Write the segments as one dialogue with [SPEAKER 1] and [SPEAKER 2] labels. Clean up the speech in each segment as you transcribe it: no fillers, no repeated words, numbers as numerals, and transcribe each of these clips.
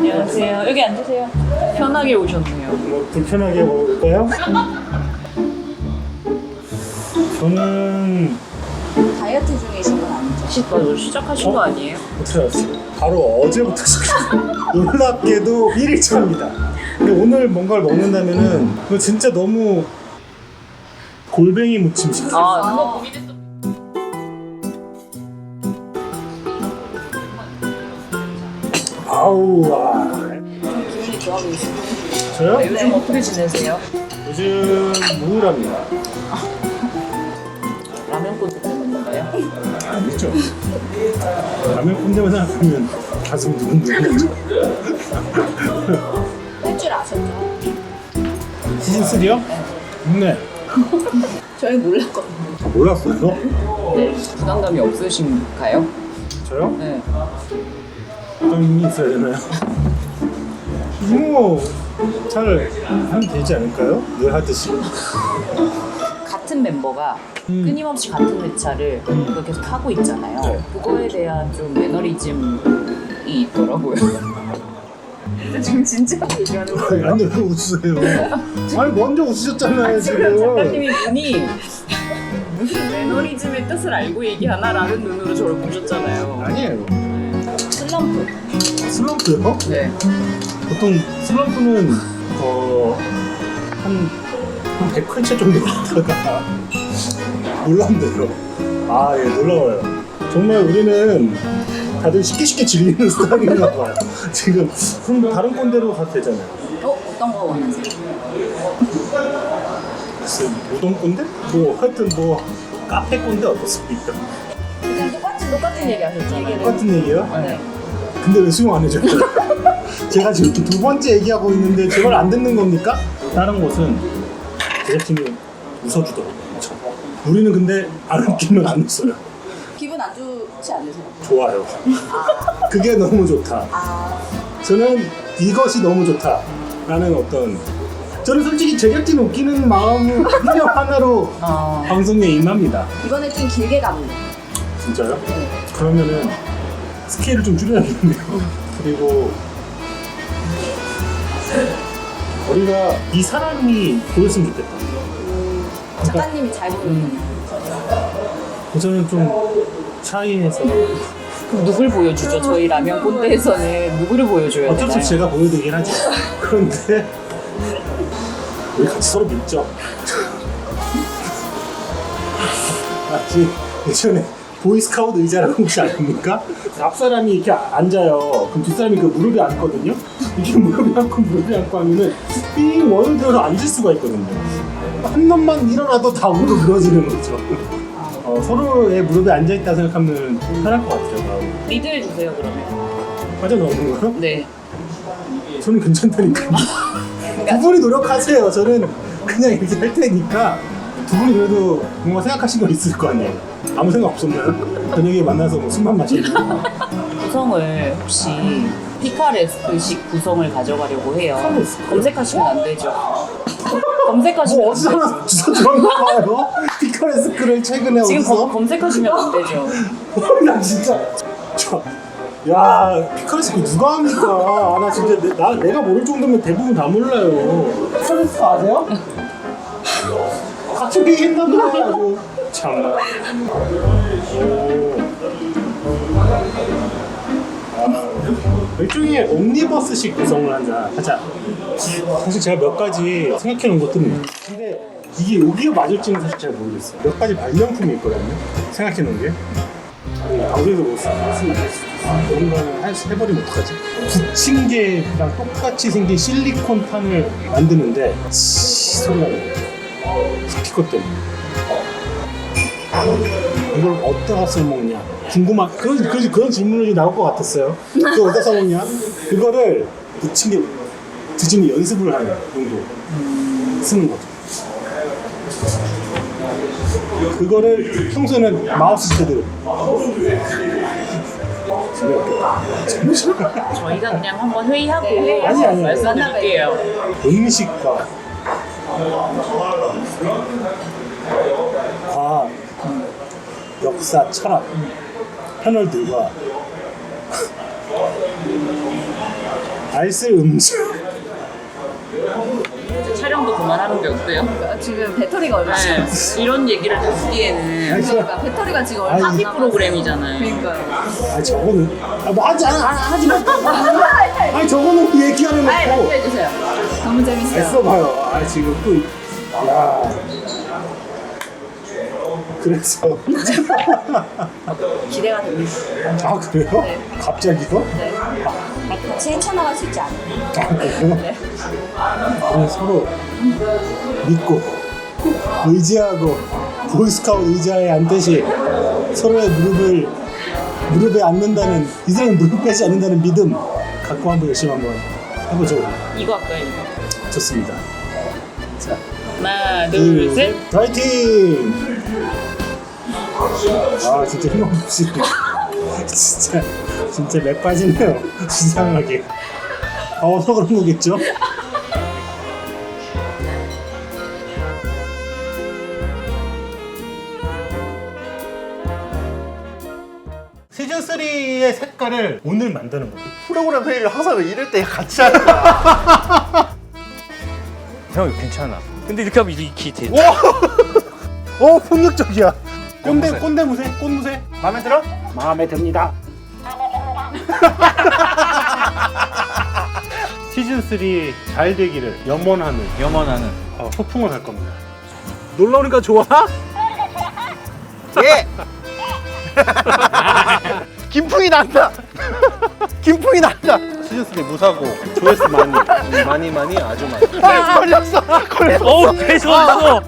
[SPEAKER 1] 안녕하세요. 여기 앉으세요. 편하게 오셨네요.
[SPEAKER 2] 뭐 불편하게 먹을까요? 저는
[SPEAKER 3] 다이어트 중이신 건 아니죠?
[SPEAKER 1] 맞아, 시작하신 거 아니에요?
[SPEAKER 2] 어떻게 알았어요? 바로 어제부터 시켰어요. 놀랍게도 1일차입니다. 근데 오늘 뭔가를 먹는다면은 그거 진짜 너무 골뱅이 무침 시켰어요.
[SPEAKER 1] 아, 그거 고민했어.
[SPEAKER 2] 아우 와.
[SPEAKER 3] 기분이 좋아 보이시죠?
[SPEAKER 2] 저요?
[SPEAKER 1] 요즘 어떻게 지내세요?
[SPEAKER 2] 요즘 우울합니다.
[SPEAKER 1] 라면 꽂을 때문인가요?
[SPEAKER 2] 아니죠. 라면 꼰대만 생각하면 가슴이 두근두근하죠.
[SPEAKER 3] 할 줄 아셨죠?
[SPEAKER 2] 시즌 3요? 네.
[SPEAKER 3] 저희 몰랐거든요.
[SPEAKER 2] 몰랐어요?
[SPEAKER 1] 네. 부담감이 없으신가요?
[SPEAKER 2] 저요?
[SPEAKER 1] 네.
[SPEAKER 2] 부담이 있어야 되나요? 뭐 잘 하면 되지 않을까요? 늘 하듯이.
[SPEAKER 1] 같은 mem버가 끊임없이 같은 회차를 그걸 계속 하고 있잖아요.
[SPEAKER 2] 네.
[SPEAKER 1] 그거에 대한 좀 매너리즘이 있더라고요. 지금 진짜 얘기하는 거예요?
[SPEAKER 2] 아니 왜 웃으세요? 아니 먼저 웃으셨잖아요
[SPEAKER 1] 지금
[SPEAKER 2] 지금.
[SPEAKER 1] 작가님이 눈이 무슨 매너리즘의 뜻을 알고 얘기하나라는 눈으로 저를 보셨잖아요.
[SPEAKER 2] 아니에요.
[SPEAKER 1] 슬럼프.
[SPEAKER 2] 슬럼프요?
[SPEAKER 1] 네.
[SPEAKER 2] 보통 슬럼프는 한 100회차 정도 갔다가 놀랍네요. 아, 예, 놀라워요. 정말 우리는 다들 쉽게 질리는 스타일인가 봐요. 지금 그럼 다른 꼰대로 가도 되잖아요.
[SPEAKER 3] 어떤 거 원하세요?
[SPEAKER 2] 무슨 우동 꼰대? 뭐 하여튼 뭐 카페 꼰대 어떻습니까?
[SPEAKER 3] 그냥 똑같은 얘기 하셨잖아요.
[SPEAKER 2] 똑같은 얘기예요?
[SPEAKER 1] 네.
[SPEAKER 2] 근데 왜 수용 안 해줘요? 제가 지금 두 번째 얘기하고 있는데 제발 안 듣는 겁니까? 다른 곳은 제작진이 웃어주더라고요. 우리는 근데 안 웃기면 안 웃어요.
[SPEAKER 3] 기분 안 좋지 않으세요?
[SPEAKER 2] 좋아요. 그게 너무 좋다. 저는 이것이 너무 좋다라는 어떤 저는 솔직히 제작진 웃기는 마음 그냥 하나로 방송에 임합니다.
[SPEAKER 3] 이번에 좀 길게 가볼래요.
[SPEAKER 2] 진짜요? 그러면은 스케일을 좀 줄여야겠네요. 그리고 우리가 이 사람이 보였으면 좋겠다.
[SPEAKER 3] 작가님이 잘 보이는
[SPEAKER 2] 저는 좀 차이해서
[SPEAKER 1] 그럼 누굴 보여주죠? 저희 라면 꼰대에서는 누구를 보여줘야
[SPEAKER 2] 어쩔 수
[SPEAKER 1] 되나요?
[SPEAKER 2] 없이 제가 보여드리긴 하죠. 그런데 우리 같이 서로 믿죠. 마치 예전에 보이스카우트 의자라고 혹시 아닙니까? 앞 사람이 이렇게 앉아요. 그럼 뒷 사람이 그 무릎에 앉거든요. 이렇게 무릎에 앉고 무릎에 앉고 하면은 삥 원을 들어서 앉을 수가 있거든요. 한 놈만 일어나도 다 무릎 늘어지는 거죠. 서로의 무릎에 앉아있다 생각하면 편할 것 같아요. 마음이.
[SPEAKER 1] 리드해주세요, 그러면.
[SPEAKER 2] 빠져나오는 거요?
[SPEAKER 1] 네.
[SPEAKER 2] 저는 괜찮다니까요. 두 분이 노력하세요. 저는 그냥 이렇게 할 테니까 두 분이 그래도 뭔가 생각하신 거 있을 거 아니에요. 아무 생각 없었나요? 저녁에 만나서 뭐 술만 마시고.
[SPEAKER 1] 구성을 혹시 피카레스크식 구성을 가져가려고 해요. 검색하시면 안 되죠. 검색하시면 안
[SPEAKER 2] 어디서
[SPEAKER 1] 되죠.
[SPEAKER 2] 주소 들었나 봐요? 피카레스크를 최근에
[SPEAKER 1] 지금
[SPEAKER 2] 어디서?
[SPEAKER 1] 검색하시면 안 되죠.
[SPEAKER 2] 나 진짜 야 피카레스크 누가 합니까? 아, 나 진짜 내가 모를 정도면 대부분 다 몰라요. 피카레스크 아세요? 같이 얘기했나 봐요. 참나. 일종의 옴니버스식 구성을 하자. 사실 제가 몇 가지 생각해 놓은 것들은 있는데 근데 이게 여기가 맞을지는 사실 잘 모르겠어요. 몇 가지 발명품이 있거든요. 생각해 놓은 게. 방송에서 못 쓰면 안 될 수도 있어. 그런 거는 해버리면 어떡하지? 부침개랑 똑같이 생긴 실리콘 판을 만드는데 소리가 나요. 스피커 때문에. 이걸 어디다가 써먹냐? 궁금한 그런 질문이 나올 것 같았어요. 그걸 어디다 써먹냐? 그거를 부침개 드시는 연습을 하는 정도 쓰는 거죠. 그거를 평소에는 마우스 패드
[SPEAKER 1] 저희가 그냥 한번 회의하고
[SPEAKER 2] 아니.
[SPEAKER 1] 말씀드릴게요.
[SPEAKER 2] 음식과 과학, 역사, 철학 패널들과 알쓸 음주.
[SPEAKER 1] 촬영도 그만하는 게 어때요?
[SPEAKER 3] 지금 배터리가 얼마 안 남았어요.
[SPEAKER 1] 네, 이런 얘기를 듣기에는
[SPEAKER 3] 그러니까 배터리가 지금 얼마 안
[SPEAKER 1] 하비
[SPEAKER 3] 남았어요.
[SPEAKER 1] 프로그램이잖아요.
[SPEAKER 3] 그러니까요.
[SPEAKER 2] 아 저거는 뭐 하지 마. 아니 저거는 얘기하는
[SPEAKER 3] 아이
[SPEAKER 2] 거고.
[SPEAKER 3] 발표해주세요. 너무 재밌어요.
[SPEAKER 2] 써봐요. 아 지금 또 야. 그래서
[SPEAKER 3] 기대가 됩니다.
[SPEAKER 2] 아 그래요?
[SPEAKER 3] 네.
[SPEAKER 2] 갑자기요?
[SPEAKER 3] 네. 같이 헤쳐나갈 수 있지 않을까.
[SPEAKER 2] 아 그래요?
[SPEAKER 3] 네.
[SPEAKER 2] 우리 서로 믿고 의지하고 보이스카우트 의자에 앉듯이 서로의 무릎에 앉는다는 이 사람은 무릎 빼지 않는다는 믿음 갖고 한번 열심히 한번 해보죠.
[SPEAKER 1] 이거 할까요? 이거?
[SPEAKER 2] 좋습니다. 자,
[SPEAKER 1] 하나, 둘, 셋.
[SPEAKER 2] 파이팅! 아 진짜 힘없이 진짜 맥 빠지네요. 이상하게. 더워서 그런 거겠죠? 시즌 3의 색깔을 오늘 만드는 거예요.
[SPEAKER 4] 프로그램 회의를 항상 이럴 때 같이 하는 거야.
[SPEAKER 5] 형 괜찮아. 근데 이렇게 하면 이렇게 돼.
[SPEAKER 2] 오 폭력적이야. 꼰대무새. 마음에 들어? 마음에 듭니다. 시즌 3 잘 되기를 염원하는
[SPEAKER 5] 염원하는.
[SPEAKER 2] 소풍을 할 겁니다. 놀러 오니까 좋아?
[SPEAKER 4] 예. 김풍이 난다. 김풍이 난다. 시즌 3 무사고 조회수 많이 아주 많이. 걸렸어.
[SPEAKER 5] 어우 배웠어.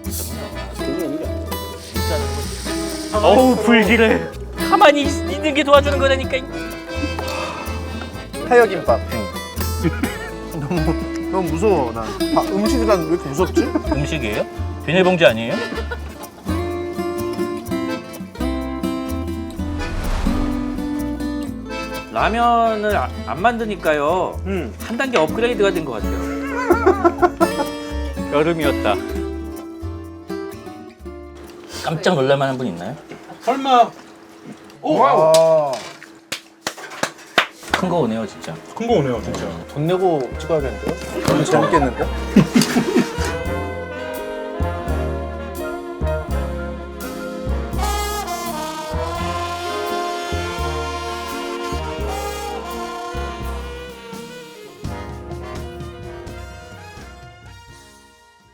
[SPEAKER 5] 어우 불길해. 가만히 있는 게 도와주는 거라니까.
[SPEAKER 4] 타이어김밥. 너무 무서워 난. 음식이 난 왜 이렇게 무섭지?
[SPEAKER 5] 음식이에요? 비닐봉지 아니에요? 라면을 안 만드니까요. 한 단계 업그레이드가 된 것 같아요. 여름이었다. 깜짝 놀랄만한 분 있나요?
[SPEAKER 2] 설마
[SPEAKER 4] 와.
[SPEAKER 5] 큰 거 오네요 진짜.
[SPEAKER 2] 큰 거 오네요 진짜.
[SPEAKER 4] 돈 내고 찍어야겠는데요? 너무 재밌겠는데?